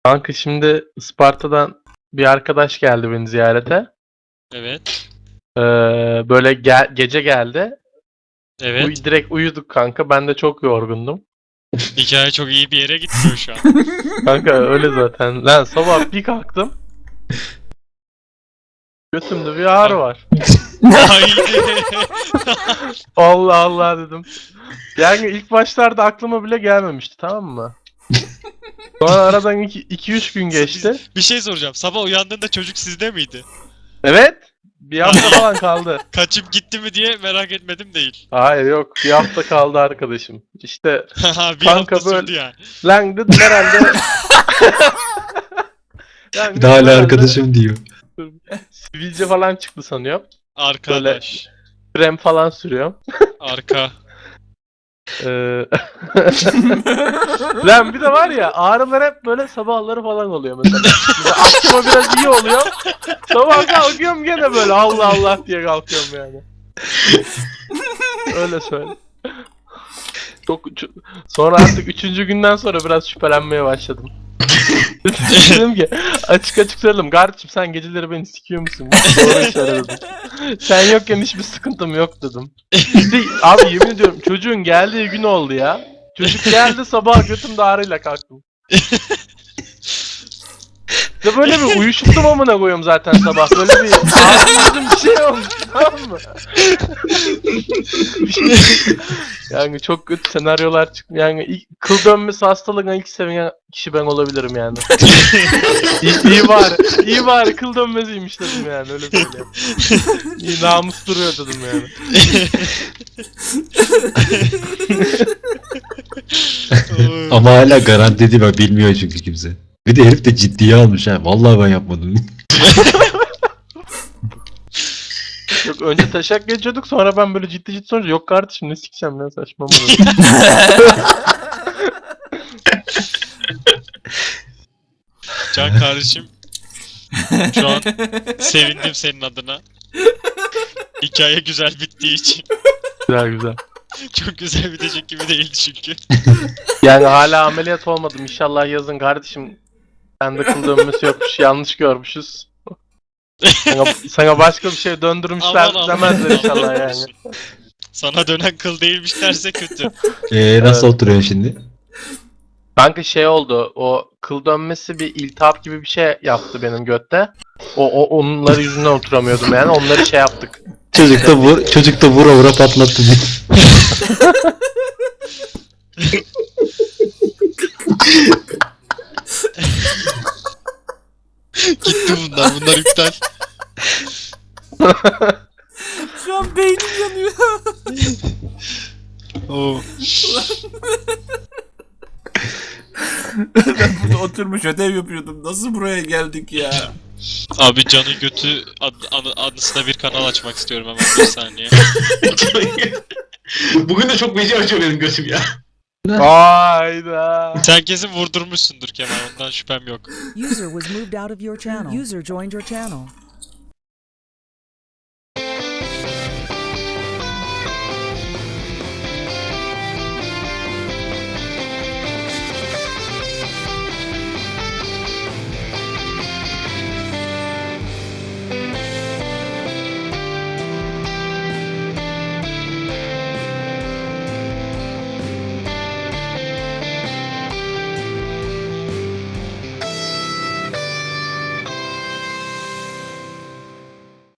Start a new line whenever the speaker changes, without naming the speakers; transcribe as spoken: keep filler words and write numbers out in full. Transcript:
Kanka şimdi Isparta'dan bir arkadaş geldi beni ziyarete.
Evet.
Ee, böyle ge- gece geldi.
Evet.
Uy- direkt uyuduk kanka. Ben de çok yorgundum.
Hikaye çok iyi bir yere gitmiyor şu an.
Kanka öyle zaten. Lan sabah bir kalktım. Götümde bir ağrı var.
Haydi.
Allah Allah dedim. Yani ilk başlarda aklıma bile gelmemişti, tamam mı? Sonra aradan iki üç gün geçti.
Bir şey soracağım. Sabah uyandığında çocuk sizde miydi?
Evet. Bir hafta falan kaldı.
Kaçıp gitti mi diye merak etmedim değil.
Hayır yok. Bir hafta kaldı arkadaşım. İşte
bir
Kanka
hafta
böyle-
sürdü yani.
lan dedim herhalde. Lan
Bir de hala
herhalde
arkadaşım diyor.
Sivilce falan çıktı sanıyorum.
Arkadaş.
Krem falan sürüyorum.
Arka.
Ee... Lan bir de var ya, ağrılar hep böyle sabahları falan oluyor mesela. Mesela akşama biraz iyi oluyor. Sabah kalkıyorum gene böyle Allah Allah diye kalkıyorum yani. Öyle söyle. Çok çok- sonra artık üçüncü günden sonra biraz şüphelenmeye başladım. Dedim ki açık açık söyledim. Kardeşim sen geceleri beni sikiyor musun? Doğru söyledim. Sen yokken hiçbir sıkıntım yok dedim. İşte, abi yemin ediyorum çocuğun geldiği gün oldu ya. Çocuk geldi sabah götümde ağrıyla kalktım. İşte böyle bir uyuşuktum amına koyuyorum zaten sabah. Böyle bir ağrım bir şey olmuş, tamam mı? Yani çok kötü senaryolar çıktı. Yani ilk, kıl dönmesi hastalığına ilk seven kişi ben olabilirim yani. iyi, iyi bari, iyi bari kıl dönmesiymiş dedim yani, öyle söyleyeyim. İyi namus duruyor dedim yani.
Ama hala garanti değil, bak bilmiyor çünkü kimse. Bir de herif de ciddiye almış ha. Vallahi ben yapmadım.
Yok önce taşak geçiyorduk, sonra ben böyle ciddi ciddi sorunca yok kardeşim ne sikeceğim lan saçma mı?
Can kardeşim. Şu an sevindim senin adına. Hikaye güzel bittiği için.
Güzel güzel.
Çok güzel bitecek gibi değildi çünkü.
Yani hala ameliyat olmadım, inşallah yazın kardeşim. Sende kıl dönmesi yokmuş, yanlış görmüşüz. Sana, sana başka bir şey döndürmüşler
Aman
demezler
Allah'ım.
inşallah yani.
Sana dönen kıl değilmiş derse kötü.
Eee nasıl
Evet.
oturuyorsun şimdi?
Kanka şey oldu, o kıl dönmesi bir iltihap gibi bir şey yaptı benim götte. O, o onları yüzünden oturamıyordum yani, onları şey yaptık.
Çocuk da vur, çocuk da vura vura patlattı diye.
Gitti bunlar. Bunlar iptal.
Şu an beynim yanıyor.
Oo.
Ben burada oturmuş ödev yapıyordum. Nasıl buraya geldik ya?
Abi Can'ın götü ad, anı, anısına bir kanal açmak istiyorum hemen bir saniye.
Bugün de çok beci açıyor benim götüm ya.
Hayda.
Sen kesin vurdurmuşsundur Kemal, ondan şüphem yok.
User was moved out of your channel. User joined your channel.